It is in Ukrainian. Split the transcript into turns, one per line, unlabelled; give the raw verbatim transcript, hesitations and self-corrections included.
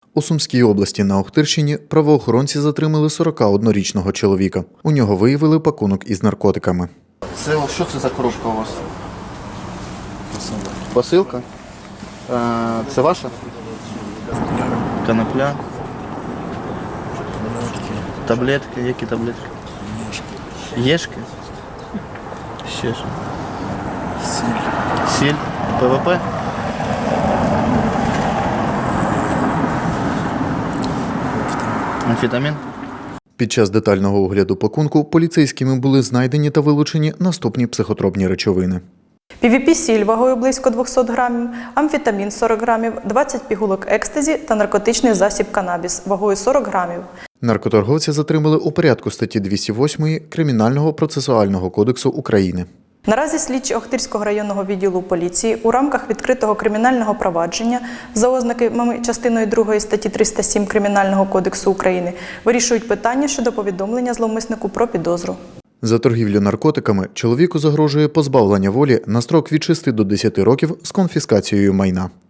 У Сумській області на Охтирщині правоохоронці затримали сорокаоднорічного чоловіка. У нього виявили пакунок із наркотиками.
Це що це за коробка у вас? Посилка. Посилка? А, це ваша? Конопля. Таблетки. Які таблетки? Єшки? Ще що? Сіль. Сіль? ПВП? Амфетамін?
Під час детального огляду пакунку поліцейськими були знайдені та вилучені наступні психотропні речовини.
пі ві пі-сіль вагою близько двохсот грамів, амфетамін сорок грамів, двадцять пігулок екстазі та наркотичний засіб канабіс вагою сорок грамів.
Наркоторговця затримали у порядку статті двісті восьмої Кримінального процесуального кодексу України.
Наразі слідчі Охтирського районного відділу поліції у рамках відкритого кримінального провадження за ознаками частиною другої статті триста сім Кримінального кодексу України вирішують питання щодо повідомлення зловмиснику про підозру.
За торгівлю наркотиками чоловіку загрожує позбавлення волі на строк від шести до десяти років з конфіскацією майна.